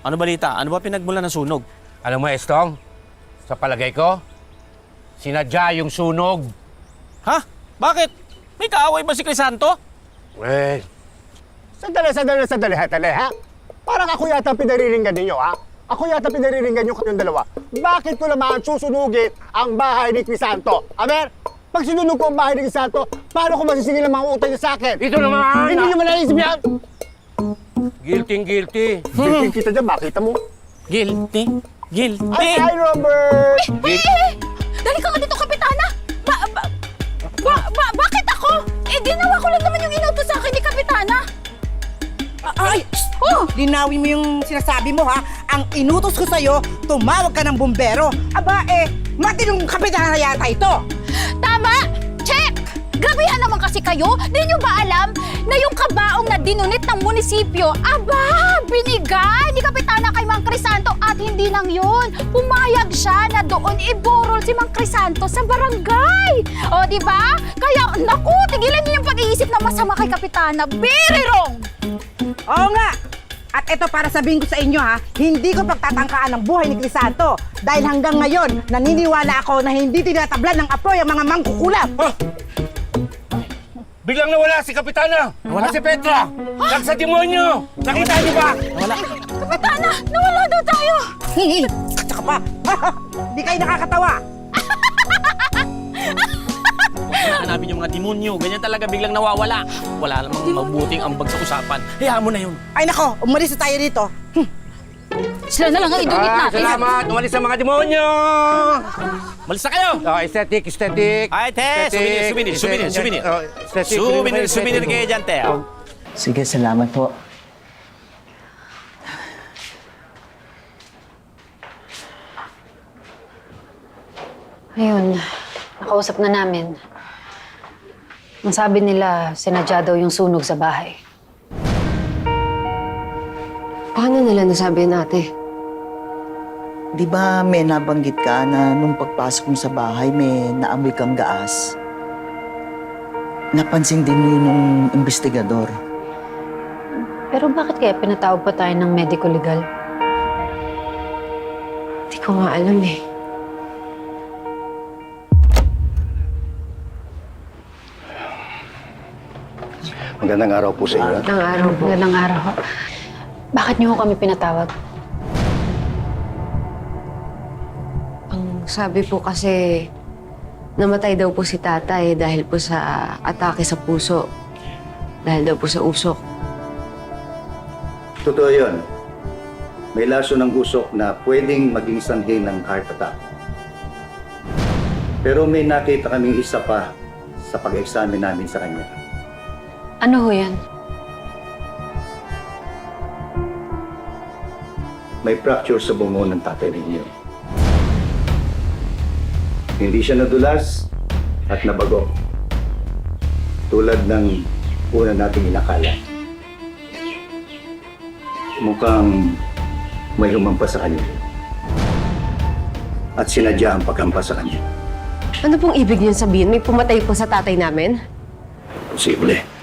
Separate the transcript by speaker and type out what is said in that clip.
Speaker 1: Ano balita? Ano ba pinagmula ng sunog?
Speaker 2: Alam mo, Estong, sa palagay ko, sinadya yung sunog.
Speaker 1: Ha? Bakit? May kaaway ba si Crisanto?
Speaker 2: Eh,
Speaker 3: Sandali, ha? Parang ako yata pinariringgan ninyo, ha? Ako yata pinariringgan nyo kayong dalawa. Bakit ko naman susunugin ang bahay ni Crisanto? Aber, pag sinunog ko ang bahay ni Crisanto, paano ko masisingil ang mga utang niya sa akin?
Speaker 2: ito naman!
Speaker 3: Hindi nyo malaisip yan!
Speaker 2: Guilty.
Speaker 3: Kita dyan, makita mo.
Speaker 1: Guilty. Guilty.
Speaker 3: Hi, Robert!
Speaker 4: Dali ka nga dito, Kapitana! Bakit ako? Eh, ginawa ko lang naman yung inutos sa akin ni Kapitana.
Speaker 5: Linawin mo yung sinasabi mo, ha? Ang inutos ko sa'yo, tumawag ka ng bumbero. Aba, matinong kapitana yata ito.
Speaker 4: Tama! Check! Grabehan naman kasi kayo. Di nyo ba alam na yung kabaong na dinunit ng munisipyo, binigay ni Kapitana kay Mang Crisanto at hindi lang yun. Pumayag siya na doon iburol si Mang Crisanto sa barangay. O, di ba? Kaya, naku, tigilan niyo yung pag-iisip na masama kay Kapitana. Very wrong!
Speaker 5: Oo nga. At ito para sabihin ko sa inyo, ha, hindi ko pagtatangkaan ang buhay ni Crisanto. Dahil hanggang ngayon, naniniwala ako na hindi tinatablan ng apoy ang mga mangkukulam.
Speaker 2: Biglang nawala si Kapitana! Nawala si Petra! Sa demonyo! Nakita niyo ba?
Speaker 4: Kapitana, nawala daw tayo!
Speaker 5: Tsaka pa, di kayo nakakatawa.
Speaker 1: Hanapin yung mga demonyo. Ganyan talaga biglang nawawala. Wala namang mabuting ambag sa usapan. Hayaan mo na yun.
Speaker 5: Ay nako, umalis na tayo dito.
Speaker 4: Sila na lang ang idunit natin.
Speaker 2: Salamat! Umalis ang mga demonyo!
Speaker 1: Malis na kayo!
Speaker 2: Aesthetic.
Speaker 1: Ay, te! Souvenir kayo dyan, te.
Speaker 6: Sige, salamat po.
Speaker 7: Ayun, nakausap na namin. Ang sabi nila, sinadya daw yung sunog sa bahay.
Speaker 8: Paano nila nasabi yun, ate?
Speaker 6: Di ba may nabanggit ka na nung pagpasok mo sa bahay may naamoy kang gaas? Napansin din yun nung investigador.
Speaker 7: Pero bakit kaya pinatawag pa tayo ng medico-legal?
Speaker 8: Hindi ko nga alam eh.
Speaker 3: Magandang araw po sa inyo.
Speaker 8: Magandang araw po.
Speaker 7: Magandang araw. Bakit niyo kami pinatawag?
Speaker 8: Ang sabi po kasi, namatay daw po si tatay dahil po sa atake sa puso. Dahil daw po sa usok.
Speaker 9: Totoo yun. May laso ng usok na pwedeng maging sanhi ng heart attack. Pero may nakita kaming isa pa sa pag-examine namin sa kanya.
Speaker 7: Ano ho yan?
Speaker 9: May fracture sa bungo ng tatay ninyo. Hindi siya nadulas at nabago. Tulad ng una nating inakala. Mukhang may lumampas sa kanya. At sinadya ang paghampas sa kanya.
Speaker 8: Ano pong ibig niyo sabihin? May pumatay po sa tatay namin?
Speaker 9: Posible.